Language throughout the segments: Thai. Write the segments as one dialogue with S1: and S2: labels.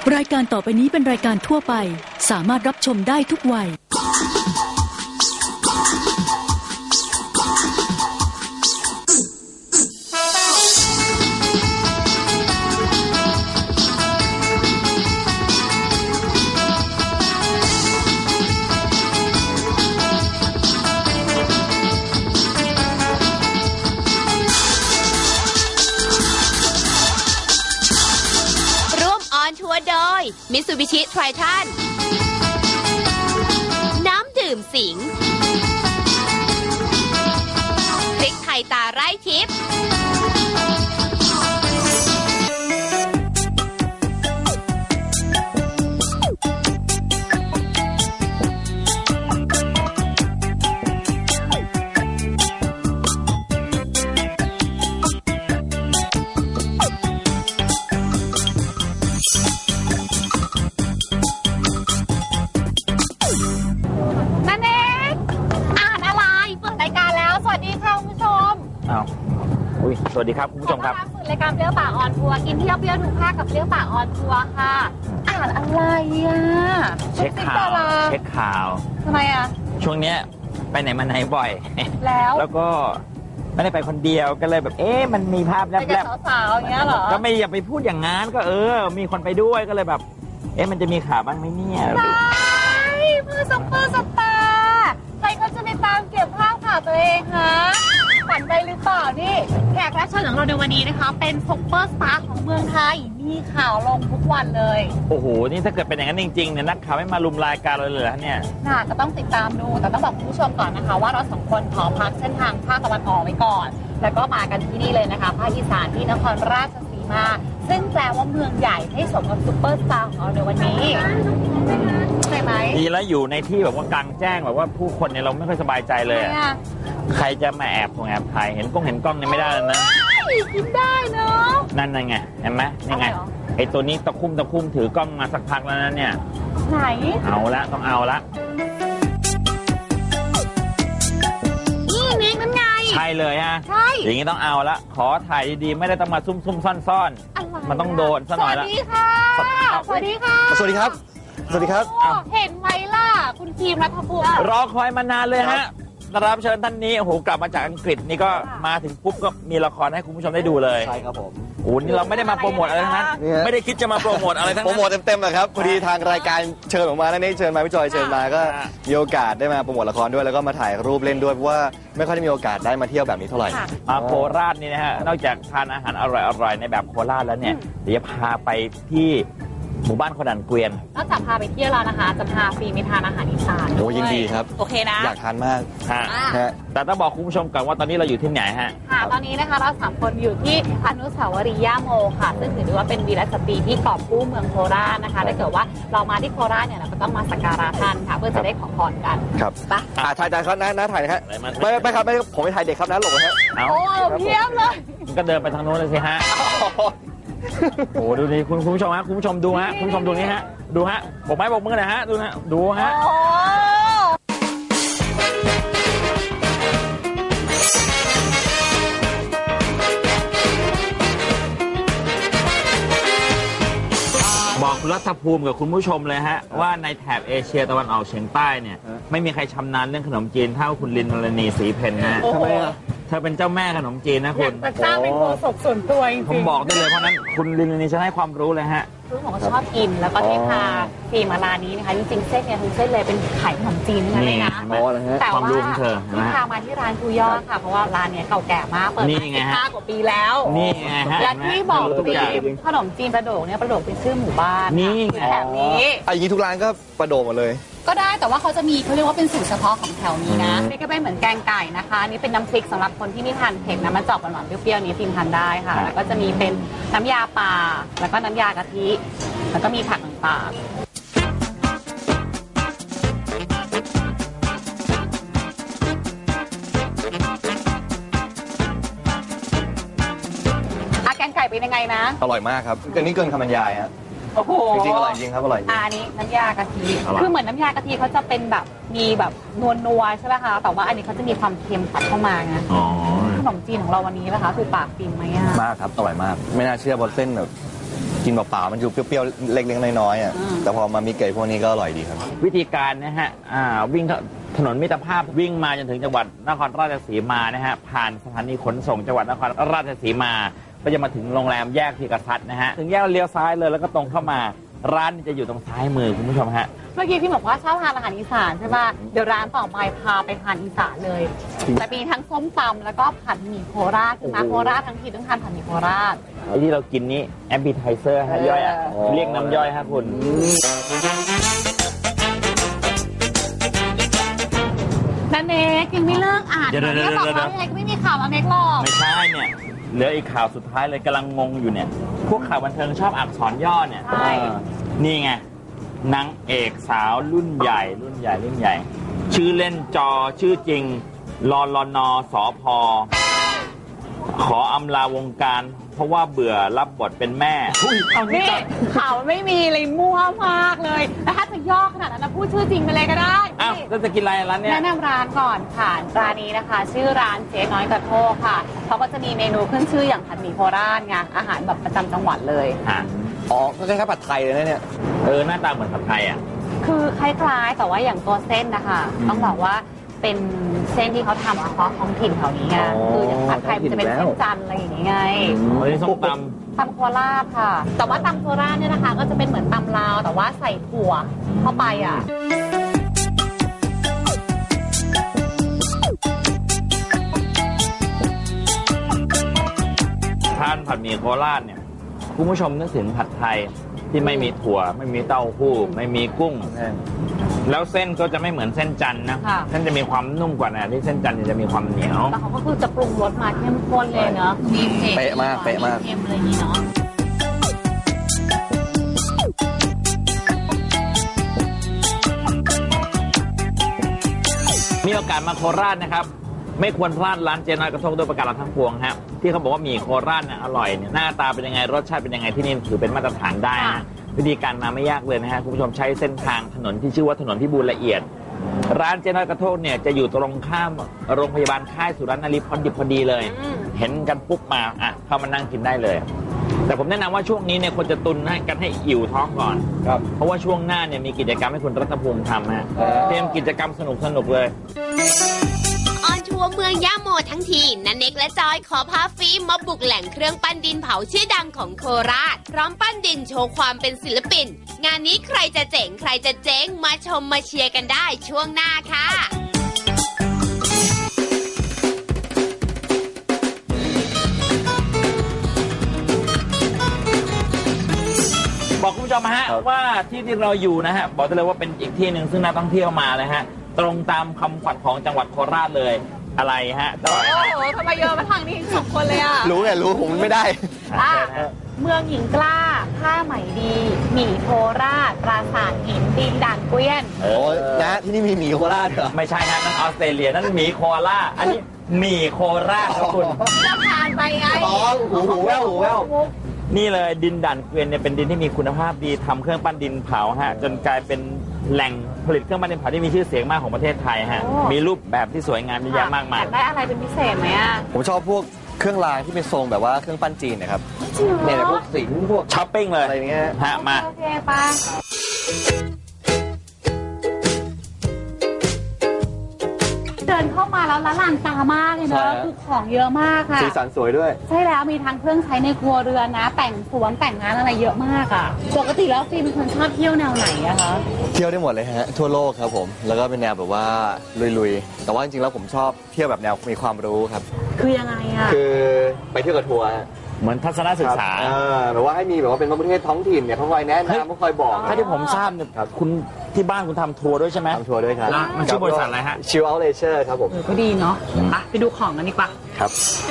S1: รายการต่อไปนี้เป็นรายการทั่วไปสามารถรับชมได้ทุกวัย
S2: มิตซูบิชิไทรทันน้ำดื่มสิงพริกไทยตาไร่ทิพย์
S3: สวัสดีครับคุณผู้ชมครับ
S2: รายการเปรี้ยวปากออนทัวร์กินเที่ยวเปรี้ยวทุกภาคกับเปรี้ยวปากออนทัวร์ค่ะอ่านอะไรอ่ะ
S3: เช็คข่าว
S2: ทำไมอ่ะ
S3: ช่วงเนี้ยไปไหนมาไหนบ่อย
S2: แล้ว
S3: ก็ไม่ได้ไปคนเดียวก็เลยแบบมันมีภาพแลบ
S2: ๆสาวๆอย่างเงี้ยเหรอ
S3: ก็ไม่อย่าไปพูดอย่างงั้นก็มีคนไปด้วยก็เลยแบบมันจะมีข่าวบ้างไหมเนี่ย
S2: ใช่เพื่อซุปเปอร์สตาร์ใครก็จะไปตามเก็บภาพข่าวตัวเองฮะฝันไปหรือเปล่านี่แขกรับเชิญของเราในวันนี้นะคะเป็นซุปเปอร์สตาร์ของเมืองไทยมีข่าวลงทุกวันเลย
S3: โอ้โหนี่ถ้าเกิดเป็นอย่างนั้นจริงๆเนี่ยนักข่าวไม่มาลุมรายการเราเลยเหรอเนี่ย
S2: ก็ต้องติดตามดูแต่ต้องบอกคุณผู้ชมก่อนนะคะว่าเราสองคนขอพักเส้นทางภาคตะวันออกไว้ก่อนแล้วก็มากันที่นี่เลยนะคะภาคอีสานที่นครราชสีมาซึ่งแปลว่าเมืองใหญ่ให้สมกับซุปเปอร์สตาร์ของเราในวันนี้ใช่ไหม
S3: ดีแล้วอยู่ในที่แบบว่ากลางแจ้งแบบว่าผู้คนเนี่ยเราไม่ค่อยสบายใจเลยใครจะมาแอบถ่ายเห็นกล้องเนี่ยไม่ได้แล้วนะ
S2: กินได้เนาะ
S3: นั่นไงเห็นไหมยังไงไอ้ตัวนี้ตะคุ่มถือกล้องมาสักพักแล้วนะเนี่ย
S2: ไหน
S3: เอาละต้องเอาละ
S2: นี่นั่นไง
S3: ใช่เลยฮะ
S2: ใช่
S3: อย่างนี้ต้องเอาละขอถ่ายดีๆไม่ได้ต้องมาซุ่มซ่อนๆมันต้องโดนซะหน่อยละ
S2: สวัสดีค่ะสวัสดีค่ะ
S4: สวัสดีครับสวัสดีครับ
S2: เห็นไหมล่ะคุณทีมรัฐภูมิ
S3: รอคอยมานานเลยฮะรับเชิญท่านนี้โอ้โหกลับมาจากอังกฤษนี่ก็มาถึงปุ๊บก็มีละครให้คุณผู้ชมได้ดูเลย
S4: ใช่ครับผม
S3: โอ้นี่เราไม่ได้มาโปรโมทอะไรทั้งนั้นไม่ได้คิดจะมาโปรโมทอะไรทั้งนั้น
S4: โปรโมทเต็มๆเลยครับพอดีทางรายการเชิญออกมาแล้วนี่เชิญมาพี่จอยเชิญมาก็มีโอกาสได้มาโปรโมทละครด้วยแล้วก็มาถ่ายรูปเล่นด้วยเพราะว่าไม่ค่อยได้มีโอกาสได้มาเที่ยวแบบนี้เท่าไหร่
S3: มาโคราชนี่นะฮะนอกจากทานอาหารอร่อยๆในแบบโคราชแล้วเนี่ยเดี๋ยวจะพาไปที่หมู่บ้านขดันเกวียน
S2: นอกจากพาไปเที่ยวแล้วนะคะจะพาฟรีไปทานอาหารอีสาน
S4: โอ้ยินดีครับ
S2: โอเคนะ
S4: อยากทานมาก
S3: แต่ต้องบอกคุณผู้ชมก่อนว่าตอนนี้เราอยู่ที่ไหนฮะ
S2: ตอนนี้นะคะเรา3คนอยู่ที่อนุสาวรีย์ย่าโมค่ะซึ่งถือว่าเป็นวีรสตรีที่กอบกู้เมืองโคราชนะคะถ้าเกิดว่าเรามาที่โคราชเนี่ยเราก็ต้องมาสักการะท่านค่ะเพื่อจะได้ขอพรกัน
S4: ครับไปถ่ายครับนะถ่ายนะครับไม่ครับไม่ผมไปถ่ายเด็กครับนะหลงฮะ
S2: โอ้เพียบเลย
S3: ก็เดินไปทางโน้นเลยสิฮะโอ้ดูนี่คุณผู้ชมฮะคุณผู้ชมดูฮะคุณผู้ชมดูนี่ฮะดูฮะบอกไม้บอกมือหน่อยฮะดูฮะดูฮะบอกรัฐภูมิกับคุณผู้ชมเลยฮะว่าในแถบเอเชียตะวันออกเฉียงใต้เนี่ยไม่มีใครชำนาญเรื่องขนมจีนเท่าคุณลินมรณีศรีเพนนะ
S4: ทำไมอ่ะ
S3: เธอเป็นเจ้าแม่ขนมจีนนะคุณ
S2: แต่สร้างเป็นโฆษกส่วนตัวจริง
S3: ผมบอกได้เลยเพราะนั้นคุณลินนี่จะให้ความรู้เลยฮะ
S2: คือผมก็ชอบกินแล้วก็ที่พาฟีมาร้านนี้นะคะจริงๆเส้นเนี่ยทุกเส้นเลยเป็นไข่ขนมจีนนั่นเลยนะแต่ว่าที่พามาที่ร้านคุยอดค่ะเพราะว่าร้านเนี้ยเก่าแก่มากเปิดมา15 กว่าปีแล้ว
S3: นี่ไงฮะ
S2: และที่บอกขนมจีนประโดกเนี่ยประโดกเป็นชื่อหมู่บ้าน
S3: นี่
S2: แบบนี้
S4: อย่างนี้ทุกร้านก็ประโดกหมดเลย
S2: ก็ได้แต่ว่าเขาจะมีเขาเรียกว่าเป็นสูตรเฉพาะของแถวนี้นะนี่ก็เป็นเหมือนแกงไก่นะคะนี่เป็นน้ำพริกสำหรับคนที่ไม่ทานเผ็ดนะมันจะออกหวานๆเปรี้ยวๆนี้ทีมทานได้ค่ะแล้วก็จะมีเป็นน้ำยาป่าแล้วก็น้ำยากะทิแล้วก็มีผักต่างๆแกงไก่เป็นยังไงนะ
S4: อร่อยมากครับอันนี้เกินคำบรรยายฮะจริงๆอร่อยจริงครับอร่อย
S2: อันนี้น้ำยากะทิคือเหมือนน้ำยากะทิเขาจะเป็นแบบมีแบบนัวใช่ไหมคะแต่ว่าอันนี้เขาจะมีความเค็มตัดเข้ามาไงขนมจีนของเราวันนี้นะคะคือปากฟินไหมอ่ะ
S4: มากครับอร่อยมากไม่น่าเชื่อบนเส้นแบบกินเปล่าๆมันอยู่เปรี้ยวๆเล็กๆน้อยๆอ่ะแต่พอมามีเกยพวกนี้ก็อร่อยดีครับ
S3: วิธีการนะฮะวิ่งถนนมิตรภาพวิ่งมาจนถึงจังหวัดนครราชสีมานะฮะผ่านสถานีขนส่งจังหวัดนครราชสีมาก็จะมาถึงโรงแรมแยกพีกษัตริย์นะฮะถึงแยกเลี้ยวซ้ายเลยแล้วก็ตรงเข้ามาร้านจะอยู่ตรงซ้ายมือคุณผู้ชมฮะ
S2: เมื่อกี้พี่บอกว่าชอบทานอาหารอีสานใช่ป่ะเดี๋ยวร้านต่อไปพาไปทานอีสานเลยแต่มีทั้งส้มตำแล้วก็ผัดหมี่โคราชคือมาโคราชทั้งทีต้องทานผัดหมี่โคราช
S3: ไอ้ที่เรากินนี้แอปเปิลไทเซอร์ฮะย่อยอ่ะเรียกน้ำย่อยฮะคุณ
S2: นันเนกยังไม่เลิกอ่าน
S3: เดี๋ยว
S2: เนี่ยบอกว่ายังไงก็ไม่มีข่าวมาเมกหรอก
S3: ไม่ใช่เนี่ยเหลืออีกข่าวสุดท้ายเลยกำลังงงอยู่เนี่ยพวกข่าวบันเทิงชอบอักษรย่อเนี่ยนี่ไงนางเอกสาวรุ่นใหญ่ ชื่อเล่นจอชื่อจริงลลนสพขออำลาวงการเพราะว่าเบื่อรับบทเป็นแม่
S2: นี่ข่าวไม่มีเลยมั่วมากเลยแล้วถ้าจะย่อขนาดนั้นนะพูดชื่อจริงไปเลยก็ได้
S3: อ้าวแล้วจะกินอะไรร้านเนี้ย
S2: แนะนำร้านก่อนค่ะร้านนี้นะคะ ชื่อร้านเจ๊น้อยกระโทกค่ะเขาก็จะมีเมนูขึ้นชื่ออย่างผัดหมี่โคราชไงอาหารแบบประจำจังหวัดเลย
S4: อ๋อก็คล้ายๆผัดไทยเลยนะเนี่ย
S3: หน้าตาเหมือนผัดไทยอ่ะ
S2: คือคล้ายๆแต่ว่าอย่างตัวเส้นนะคะต้องบอกว่าเป็นเส้นที่เขาทำเฉพาะท้องถิ่นแถวนี้ไงคืออย่างผัดไทยมันจะเป็นเส้นจันทร์อะไรอย่างนี้ไง
S3: อันนี้ส้มต
S2: ำโคราชค่ะแต่ว่าตำโคราชเนี่ยนะคะก็จะเป็นเหมือนตำลาวแต่ว่าใส่ถั่วเข้าไปอ่ะ
S3: ทานผัดหมี่โคราชเนี่ยคุณผู้ชมนึกถึงผัดไทยที่ไม่มีถั่วไม่มีเต้าหู้ไม่มีกุ้งแล้วเส้นก็จะไม่เหมือนเส้นจันทร์นะเส้นจะมีความนุ่มกว่านะที่เส้นจันทร์จะมีความเหนียว
S2: แต่เขาก็คือจะปรุงรสมาเข้มข้นเลยเนาะมีเผ็ด
S4: เป๊ะมากเ
S2: ค็มอะไรอย่างนี้เนาะ
S3: มีโอกาสมาโคราชนะครับไม่ควรพลาดร้านเจ๊น้อยกระทงด้วยประการทั้งปวงฮะที่เขาบอกว่าหมี่โคราชเนี่ยอร่อยเนี่ยหน้าตาเป็นยังไงรสชาติเป็นยังไงที่นี่ถือเป็นมาตรฐานได้นะวิธีการมาไม่ยากเลยนะฮะคุณผู้ชมใช้เส้นทางถนนที่ชื่อว่าถนนพิบูลละเอียดร้านเจ๊น้อยกระทงเนี่ยจะอยู่ตรงข้ามโรงพยาบาลค่ายสุรนารีพอดีเลยเห็นกันปุ๊บมาเข้ามานั่งกินได้เลยแต่ผมแนะนำว่าช่วงนี้เนี่ยควรจะตุนกันให้อิ่วท้องก่อนเพราะว่าช่วงหน้าเนี่ยมีกิจกรรมให้คุณรัตภูมิทำฮะเตรียมกิจกรรมสนุกเลย
S5: ทัวร์เมืองย่าโมทั้งทีนันเน็กและจอยขอพาฟิล์มมาบุกแหล่งเครื่องปั้นดินเผาชื่อดังของโคราชพร้อมปั้นดินโชว์ความเป็นศิลปินงานนี้ใครจะเจ๋งใครจะเจ๊งมาชมมาเชียร์กันได้ช่วงหน้าค่ะ
S3: บอกคุณผู้ชมฮะว่าที่เราอยู่นะฮะบอกได้เลยว่าเป็นอีกที่หนึ่งซึ่งนักท่องเที่ยวมาเลยฮะตรงตามคำขวัญของจังหวัดโคราชเลยอะไรฮะ
S2: โอ้โหทำไมเยอะมาทางนี้สองคนเลยอ่ะ
S4: รู้ผมไม่ได้
S2: เมืองหญิงกล้าผ้าไหมดีหมี่โคราชปราสาทหินดินด่านเกวียน
S4: นะที่นี่มีหมี่โคราชเหรอ
S3: ไม่ใช่ฮะนั่นออสเตรเลียนั่นหมี่โคราชอันนี้หมี่โคราชครับคุณ
S2: จะผ่านไปไง
S4: หูแว่ว
S3: นี่เลยดินด่านเกวียนเนี่ยเป็นดินที่มีคุณภาพดีทำเครื่องปั้นดินเผาฮะจนกลายเป็นแหล่งผลิตเครื่องปั้นดินเผาที่มีชื่อเสียงมากของประเทศไทยฮะมีรูปแบบที่สวยงามเยอะแยะมากมาย
S2: ได้อะไรเป็นพิเศษไหมอ่ะ
S4: ผมชอบพวกเครื่องรางที่เป็นทรงแบบว่าเครื่องปั้นจีนนะครับเนี่ยพวกสิงพวก
S3: ช้อปปิ้งเลย
S4: อะไรเงี้ย
S3: ฮะมา
S2: โอเคป่ะเดินเข้ามาแล้วละลานตามากเลยเนอะคือของเยอะมากค่ะ
S4: สีสันสวยด้วย
S2: ใช่แล้วมีทั้งเครื่องใช้ในครัวเรือนนะแต่งสวนแต่งงานอะไรเยอะมากอ่ะปกติแล้วฟิล์มเป็นคนชอบเที่ยวแนวไหนอะคะ
S4: เที่ยวได้หมดเลยฮะทั่วโลกครับผมแล้วก็เป็นแนวแบบว่าลุยๆแต่ว่าจริงๆแล้วผมชอบเที่ยวแบบแนวมีความรู้ครับ
S2: คือยังไงอะ
S4: คือไปเที่ยวกับทัวร์
S3: เหมือนทัศนศึกษา
S4: แบบว่าให้มีแบบว่าเป็นประเทศท้องถิ่นเนี่ยเขาคอยแนะนำเขาคอยบอก
S3: ถ้าที่ผมทราบเนี่ยคุณที่บ้านคุณทำทัวร์ด้วยใช่ไหม
S4: ทำทัวร์ด้วยครับ
S3: มันชื่อบริษัทอะไรฮะ
S4: Chill Out Leisure ครับผม
S2: ก็ดีเนาะไปดูของกันดีกว่า
S4: ครับ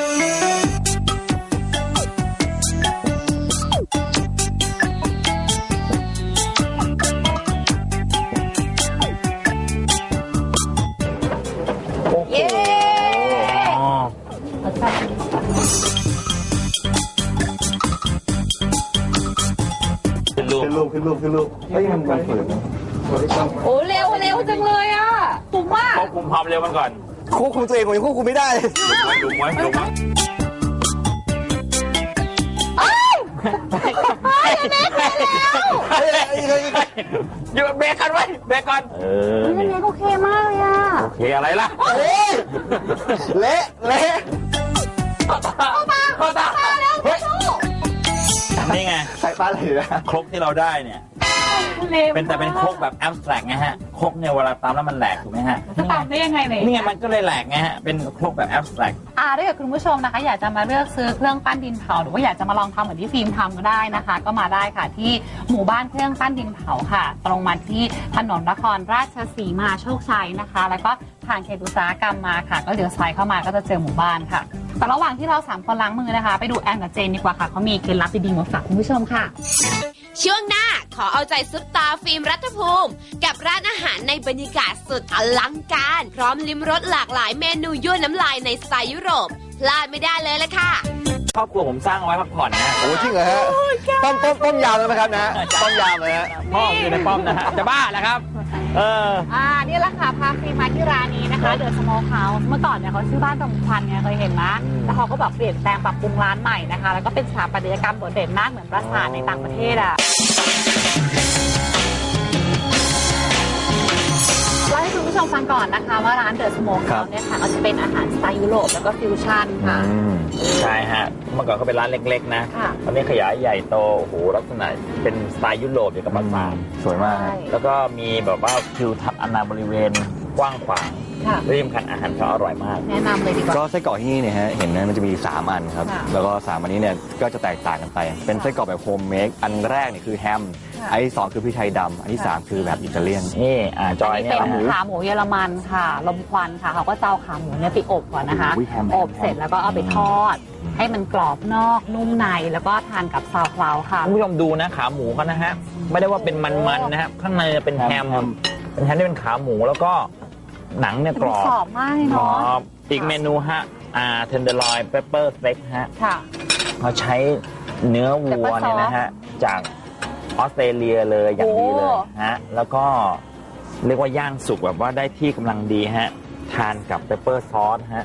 S2: เย้
S4: ขึ้นรูปเฮ้ยมันฝืน
S2: โอ้เร็วจังเลยอ่ะคุ้มมาก
S3: ควบคุมความเร็วมันก่อน
S4: ควบคุมตัวเองผมยังควบคุมไม่ได้
S3: ดูไว้
S2: เฮ้ย
S3: หยุดเบรกกันไว้เบรกก่อน
S2: อันนี้โอเคมากเลยอ่ะ
S3: โอเคอะไรล่ะ
S4: เละ
S3: เข้าตาเฮ้ยนี่ไง
S4: ใส่ปลาเลยนะ
S3: ครกที่เราได้เนี่ยเป็นครกแบบแอบสแตรกไงฮะครกเนี่ยเวลาตามแล้วมันแหลกถูกไหมฮะ
S2: จะตามได้ยังไงเนี่ย
S3: นี่ไงมันก็เลยแหลกไงฮะเป็นครกแบบแอบสแตรก
S2: ถ้าเกิดคุณผู้ชมนะคะอยากจะมาเลือกซื้อเครื่องปั้นดินเผาหรือว่าอยากจะมาลองทำเหมือนที่ฟิล์มทำก็ได้นะคะก็มาได้ค่ะที่หมู่บ้านเครื่องปั้นดินเผาค่ะตรงมาที่ถนนนครราชสีมาโชคชัยนะคะแล้วก็ทางเขตอุตสาหกรรมมาค่ะก็เลี้ยวซ้ายเข้ามาก็จะเจอหมู่บ้านค่ะแต่ระหว่างที่เรา3คนล้างมือนะคะไปดูแอนกับเจนดีกว่าค่ะเขามีเคล็ดลับดีๆมาฝากคุณผู้ชมค่ะ
S5: ช่วงหน้าขอเอาใจซุปตาฟิล์มรัฐภูมิกับร้านอาหารในบรรยากาศสุดอลังการพร้อมลิ้มรสหลากหลายเมนูยั่วน้ำลายในสไตล์ยุโรปพลาดไม่ได้เลยละค่ะ
S3: ครอบครัวผมสร้างไว้พักผ่อนนะ
S4: โอ้จริงเหรอฮะต้มยำเลยไหมครับนะต้มยำเลยฮะ
S3: พ่ออยู่ในป้อมนะฮะจะบ้าแล้วครับ
S2: นี่แหละค่ะพาฟิล์มมาที่ร้านนี้นะคะเดอะสโมคเฮาส์เมื่อก่อนเนี่ยเขาชื่อบ้านดงควันไงเคยเห็นไหมแล้วเขาก็แบบเปลี่ยนแปลงปรับปรุงร้านใหม่นะคะแล้วก็เป็นสถาปัตยกรรมโดดเด่นมากเหมือนปราสาทในต่างประเทศอ่ะเล่าให้คุณผู้ชมฟังก่อนนะคะว่าร้านเดอะสโมคเฮาส์เนี่ยค่ะก็จะเป็นอาหารสไตล์ยุโรปแล้วก็ฟิวชั่นค่ะ
S3: ใช่ฮะเมื่อก่อนก็เป็นร้านเล็กๆนะตอนนี้ขยายใหญ่โตโอ้โหลักษณะเป็นสไตล์ยุโรปอยู่กับปราสาท
S4: สวยมาก
S3: แล้วก็มีแบบว่าทิวทัศน์อนาบริเวณกว้างขวางและที่สำคัญอาหารเขาอร่อยมาก
S2: แนะนำเลยดีกว่า
S4: ก็ไส้กรอกที่นี่เนี่ยฮะเห็นนะมันจะมี3อันครับแล้วก็3อันนี้เนี่ยก็จะแตกต่างกันไปเป็นไส้กรอกแบบโฮมเมคอันแรกเนี่ยคือแฮมอันที่2คือพริกไทยดำอันที่3คือแบบอิตาเลียน
S3: นี่จอยเนี่ย
S2: เป็นขาหมูเยอรมันค่ะลมควันค่ะเขาก็จะเอาขาหมูเนี่ยไปอบก่อนนะคะอบเสร็จแล้วก็เอาไปทอดให้มันกรอบนอกนุ่มในแล้วก็ทานกับซาวคลาวค่ะ
S3: คุณผู้ชมดูนะขาหมูเขานะฮะไม่ได้ว่าเป็นมันๆนะครับข้างในเป็นแฮมที่เป็นขาหมูแล้วก็หนังเนี่ยกร
S2: อบมากเลยเนาะ
S3: อีกเมนูฮะเทนเดอร์ลอยเปปเปอร์สเต็กฮะเขาใช้เนื้อวัวเนี่ยนะฮะจากออสเตรเลียเลยอย่างดีเลยฮะแล้วก็เรียกว่าย่างสุกแบบว่าได้ที่กำลังดีฮะทานกับเปปเปอร์ซอสฮะ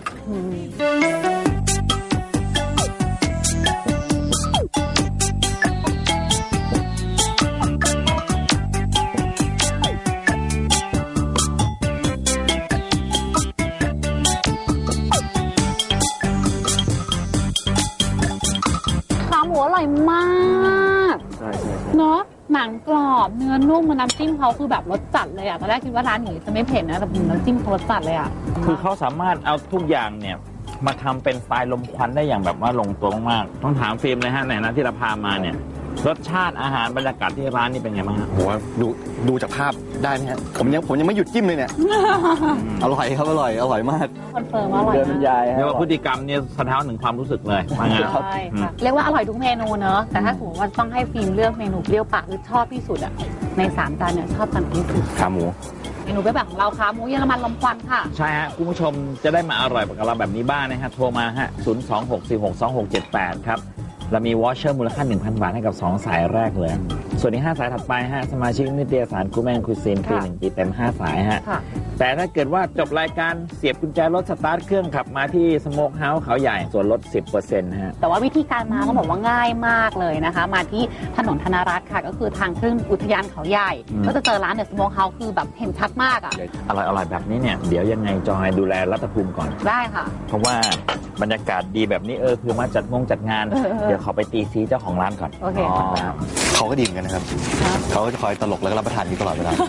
S2: อร่อยมากเนาะหนังกรอบเนื้อนุ่มน้ำจิ้มเขาคือแบบรสจัดเลยอ่ะตอนแรกคิดว่าร้านนี้จะไม่เผ็ดนะแต่น้ำจิ้มเขารสจัดเลยอ่ะ
S3: คือเขาสามารถเอาทุกอย่างเนี่ยมาทำเป็นสไตล์ลมควันได้อย่างแบบว่าลงตัวมากต้องถามฟิล์มเลยฮะไหนนะที่เราพามาเนี่ยรสชาติอาหารบรรยากาศที่ร้านนี่เป็นไงบ้าง
S4: โหดูจากภาพได้ไหมฮะผมยังไม่หยุดจิ้มเลยเนี่ยอร่อยครับอร่อยมาก
S2: คอนเฟิร์มอร่อย
S4: เดินบรรยาย
S3: เรียกว่าพฤติกรรมเนี่ยสะท้อนถึงความรู้สึกเลยว่าไง
S2: ครับเรียกว่าอร่อยทุกเมนูเนอะแต่ถ้าสมมติว่าต้องให้ฟิล์มเลือกเมนูเปรี้ยวปากหรือชอบที่สุดอ่ะใน3จานเนี่ยชอบจานที่สุด
S4: ขาหมู
S2: เมนูแบบของเราขาหมูเยอรมันลมควันค่ะ
S3: ใช่ฮะคุณผู้ชมจะได้มาอร่อยกับเราแบบนี้บ้างนะฮะโทรมาฮะ026462678ครับเรามีวอชเชอร์มูลค่า 1,000 บาทให้กับ2สายแรกเลยส่วนที่5สายถัดไปฮะสมาชิกนิตยสารกูแมนคุซินฟรี1 ปีเต็ม5สายฮะแต่ถ้าเกิดว่าจบรายการเสียบกุญแจรถสตาร์ทเครื่องขับมาที่สโมคเฮาส์เขาใหญ่ส่วนลด 10% ฮะ
S2: แต่ว่าวิธีการมาก็บอกว่าง่ายมากเลยนะคะมาที่ถนนธนรัตน์ค่ะก็คือทางขึ้นอุทยานเขาใหญ่ก็จะเจอร้านเดอะสโมคเฮาส์คือแบบเห็นชัดมากอ่ะ
S3: อร่อยแบบนี้เนี่ยเดี๋ยวยังไงจอยดูแลรัฐภูมิก่อน
S2: ได้ค่ะ
S3: เพราะว่าบรรยากาศดีแบบนี้คือมาจัดงานเดี๋ยวเขาไปตีซีเจ้าของร้านก่อน
S2: โอเค
S4: เขาก็ดีเหมือนกันนะครับเขาก็จะคอยตลกแล้วก็รับประทานอยู่ตลอดเวลา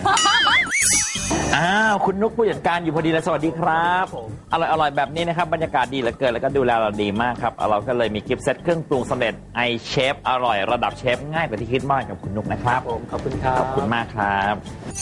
S3: คุณนุ๊กผู้จัดการอยู่พอดีเลยสวัสดีครับอร่อยแบบนี้นะครับบรรยากาศดีเหลือเกินแล้วก็ดูแลเราดีมากครับเราก็เลยมีกิฟต์เซตเครื่องปรุงสำเร็จไอเชฟอร่อยระดับเชฟง่ายกว่าที่คิดมากกับคุณนุ๊กนะครับ
S4: ผมขอบคุณครับ
S3: ขอบคุณมากครับ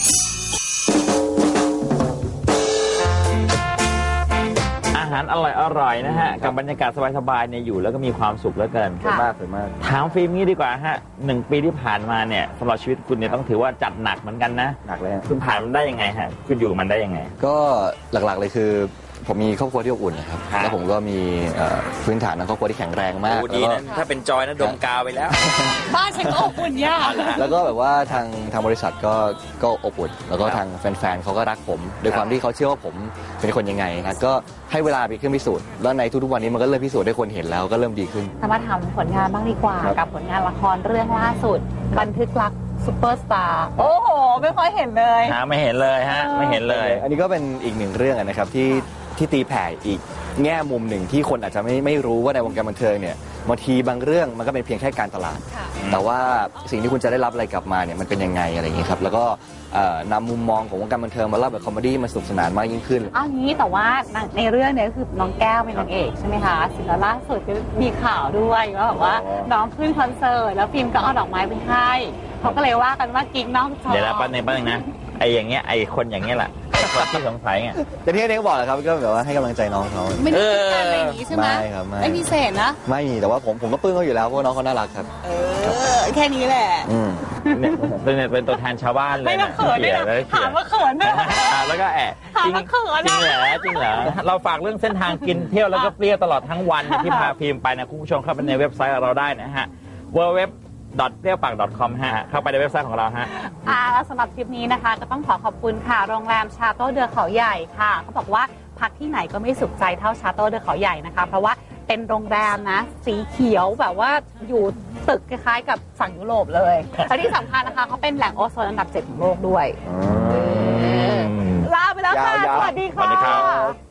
S3: อาหารอร่อยนะฮะกับบรรยากาศสบายๆเนี่ยอยู่แล้วก็มีความสุขเหลือเกิน
S4: สวยมาก
S3: ถามฟิล์มนี้ดีกว่าฮะ1 ปีที่ผ่านมาเนี่ยสำหรับชีวิตคุณเนี่ยต้องถือว่าจัดหนักเหมือนกันนะ
S4: หนักเลย
S3: คุณผ่านมันได้ยังไงฮะคุณอยู่มันได้ยังไง
S4: ก็หลักๆเลยคือผมมีครอบครัวที่อบอุ่นนะครับแล้วผมก็มีพื้นฐานในครอบครัวที่แข็งแรงมาก
S3: ดีนะถ้าเป็นจอยนะดมกาวไปแล้ว
S2: บ้านฉันก็อบอุ่นยาก
S4: แล้วก็แบบว่าทางบริษัทก็อบอุ่นแล้วก็ทางแฟนๆเขาก็รักผมโดยความที่เขาเชื่อว่าผมเป็นคนยังไงนะก็ให้เวลาไปเครื่องพิสูจน์แล้วในทุกๆวันนี้มันก็เริ่มพิสูจน์ให้คนเห็นแล้วก็เริ่มดีขึ้น
S2: มาทำผลงานบ้างดีกว่ากับผลงานละครเรื่องล่าสุดบันทึกรักซูเปอร์สตาร์โอ้โหไม่ค่อยเห็นเลย
S3: ไม่เห็นเลยฮะไม่เห็นเลย
S4: อันนี้ก็เป็นอีกหนึ่งเรื่องนะครับที่ตีแผ่อีกแง่มุมหนึ่งที่คนอาจจะไม่รู้ว่าในวงการบันเทิงเนี่ยบางทีบางเรื่องมันก็เป็นเพียงแค่การตลาด แต่ว่าสิ่งที่คุณจะได้รับอะไรกลับมาเนี่ยมันเป็นยังไงอะไรอย่างนี้ครับแล้วก็นำมุมมองของวงการบันเทิงมาเล่าแบบคอมเมดี้มาสนุกสนานมากยิ่งขึ้น
S2: อ้าวงี้แต่ว่าในเรื่องเนี่ยก็คือน้องแก้วเป็นนางเอกใช่ไหมคะสิแล้วล่าสุดก็มีข่าวด้วยว่าแบบว่าน้องขึ้นคอนเสิร์ตแล้วฟิล์มก็เอาดอกไม้ไปให้เขาก็เลยว่ากันว่ากิ๊กน้องจอ
S3: เดี๋ยวนะป้าเน่งนะไอ้อย่างเงี้ยไอ้คนอย่างเงี้ยแหละไอ้คนที่สงสัยไง
S4: แต่ที่เน็กบอกแหละครับก็แบบว่าให้กำลังใจน้องเขา
S2: ไม่ได้คิดกันอะไรอย่างนี้ใช่ไหม
S4: ไม่ครับไม่
S2: ไม่พิเศษนะ
S4: ไม่มีแต่ว่าผมก็ปลื้มเขาอยู่แล้วเพราะว่าน้องเขาน่ารักครับ
S2: แค่นี้แหละ
S3: เนี่ยเป็นตัวแทนชาวบ้านเลย
S2: ไม่มาเขินด้วยนะถามว่าเขินด้วย
S3: แล้วก็จริง
S2: เขิน
S3: จริงเหรอจริงเหรอเราฝากเรื่องเส้นทางกินเที่ยวแล้วก็เปรี้ยวตลอดทั้งวันที่พาฟิล์มไปนะคุณผู้ชมเข้าไปในเว็บไซต์เราได้นะฮะ www.ppieowpak.com ฮะเข้าไปในเว็บไซต์ของเราฮะ
S2: แล้วสำหรับทริปนี้นะคะก็ต้องขอบคุณค่ะโรงแรมชาโต้เดือเขาใหญ่ค่ะเขาบอกว่าพักที่ไหนก็ไม่สุขใจเท่าชาโต้เดือเขาใหญ่นะคะเพราะว่าเป็นโรงแรมนะสีเขียวแบบว่าอยู่ตึกคล้ายๆกับฝั่งยุโรปเลยและที่สำคัญนะคะเขาเป็นแหล่งโอโซนอันดับ 7 ของโลกด้วยลาไปแล้วค่ะสวัสดีค่ะ